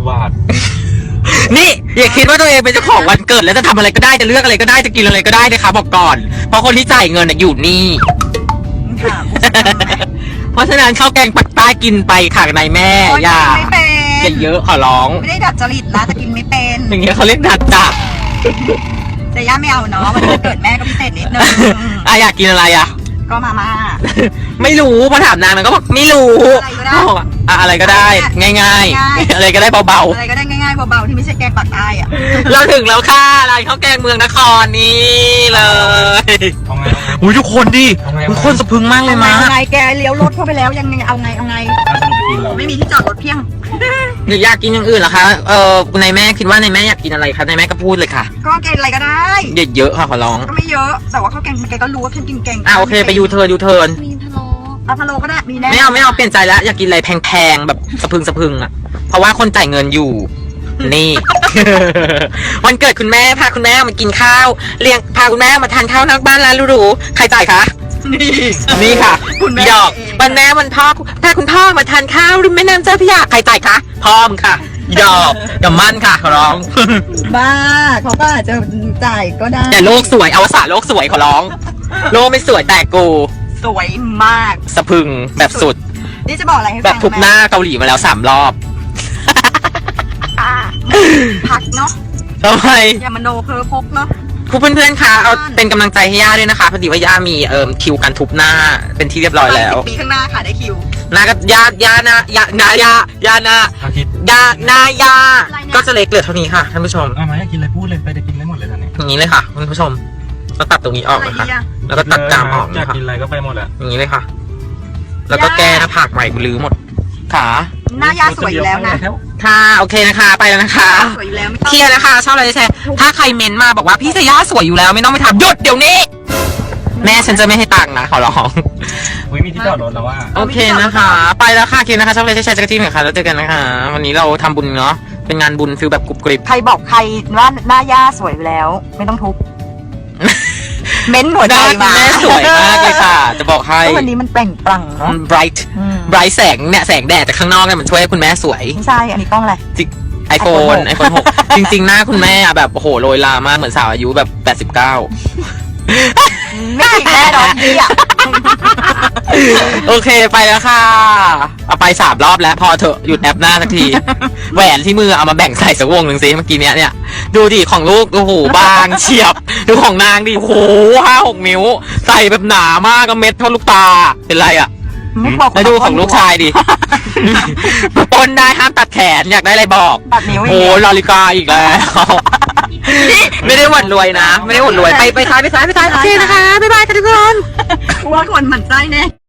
บาทนี่อย่าคิดว่าตัวเองเป็นเจ้าของวันเกิดแล้วจะทำอะไรก็ได้จะเลือกอะไรก็ได้จะกินอะไรก็ได้นะคะบอกก่อนเพราะคนที่จ่ายเงินอยู่นี่เพราะฉะนั้นข้าวแกงปักใต้กินไปค่ะนายแม่อย่าเยอะขอร้องไม่ได้ดัดจริตนะแต่กินไม่เป็นอย่างเงี้ยเขาเรียกดัดจับแต่ย่าไม่เอาเนาะวันเกิดแม่ก็พิเศษนิดนึงอยากกินอะไรก็มาม่าไม่รู้พอถามนางก็บอกไม่รู้อะไรก็ได้ง่ายๆอะไรก็ได้เบาๆอะไรก็ได้ง่ายๆเบาๆที่ไม่ใช่แกงปักใต้อะเราถึงแล้วค่ะร้านข้าวแกงเมืองนครนี่เลยอุ้ยทุกคนดิทุกคนสะพึงมากเลยมาไงแกเลี้ยวรถเข้าไปแล้วยังไงเอาไงไม่มีที่จอดรถเพียงหรืออยากกินอย่างอื่นเหรอคะนายแม่คิดว่านายแม่อยากกินอะไรคะนายแม่ก็พูดเลยค่ะก็แกงอะไรก็ได้เยอะๆค่ะขอร้องก็ไม่เยอะแต่ว่าข้าวแกงแกก็รู้ว่าแค่กินแกงโอเคไปยูเทิร์นมีพะโล้ก็ได้มีแน่ไม่เอาเปลี่ยนใจแล้วอยากกินอะไรแพงๆแบบสะพึงอ่ะเพราะว่าคนจ่ายเงินอยู่นี่วันเกิดคุณแม่พาคุณแม่มากินข้าวเลี้ยงพาคุณแม่มาทานข้าวนอกบ้านร้านหรูๆใครจ่ายคะนี่ค่ะคุณแม่วันแม่วันพ่อพาคุณพ่อมาทานข้าวริมแม่น้ำเจ้าพระยาใครจ่ายคะพ่อมึงค่ะดอกอย่ามั่นค่ะขอร้องบ้าเขาก็อาจจะจ่ายก็ได้แต่โลกสวยอวสานโลกสวยขอร้องโลกไม่สวยแต่กูสวยมากสะพึงแบบสุดนี่จะบอกอะไรให้ฟังแบบทุบหน้าเกาหลีมาแล้ว3 รอบพักเนาะทำไมอย่ามโนเพ้อพกเนาะเพื่อนๆคะเอาเป็นกำลังใจให้ย่าด้วยนะคะพอดีว่าย่ามีคิวการทุบหน้าเป็นที่เรียบร้อยแล้ว 10 ปีข้างหน้าค่ะได้คิวนาก็ย่าก็จะเล็กเหลือเท่านี้ค่ะท่านผู้ชมมาอยากกินอะไรพูดเลยไปได้กินได้หมดเลยตอนนี้อย่างนี้เลยค่ะท่านผู้ชมก็ตัดตรงนี้ออกนะคะแล้วก็ตัดจามออกอยากกินอะไรก็ไปหมดแหละอย่างนี้เลยค่ะแล้วก็แก้หน้าผากใหม่ลื้อหมดขาหน้ายาสวยอยู่แล้วนะค่ะโอเคนะคะไปแล้วนะคะสวยอยู่แล้วเคลียร์นะคะชอบอะไรแชร์ถ้าใครเม้นมาบอกว่าพี่เซย่าสวยอยู่แล้วไม่ต้องไปทำหยุดเดี๋ยวนี้แม่ฉันจะไม่ให้ตังค์นะขอร้องมีที่จอดรถแล้วว่าโอเคนะคะไปแล้วค่ะเคลียร์นะคะชอบอะไรแชร์จักรจี้หน่อยค่ะแล้วเจอกันนะคะวันนี้เราทำบุญเนาะเป็นงานบุญฟิลแบบกรุบกริบใครบอกใครว่าหน้าย่าสวยอยู่แล้วไม่ต้องทุบเม้นหัวใจมาแม่สวยมากเลยค่ะจะบอกให้วันนี้มันแปล่งปลั่งเนาะ bright แสงเนี่ยแสงแดดจากข้างนอกเนี่ยมันช่วยให้คุณแม่สวยไม่ใช่อันนี้กล้องอะไร iPhone 6จริงๆหน้าคุณแม่แบบโอ้โหโรยลามากเหมือนสาวอายุแบบ89 ไม่แน่นอนดีอ่ะโอเคไปแล้วค่ะเอาไป3 รอบแล้วพอเถอะหยุดแอปหน้าสักทีแหวนที่มือเอามาแบ่งใส่สักวงหนึ่งสิเมื่อกี้เนี่ยดูดิของลูกโอ้โหบางเฉียบดูของนางดิโอ้โห5-6 นิ้วใส่แบบหนามากก็เม็ดเท่าลูกตาเป็นไรอ่ะแล้วดูของลูกชายดิปนได้ห้ามตัดแขนอยากได้อะไรบอกตัดนิ้วโอ้ลาลิกาอีกแล้วไม่ได้หวั่นรวยนะไม่ได้หวั่นรวยไปซ้ายโอเคนะคะบ๊ายบายค่ะทุกคนว่าคนหมั่นไส้แน่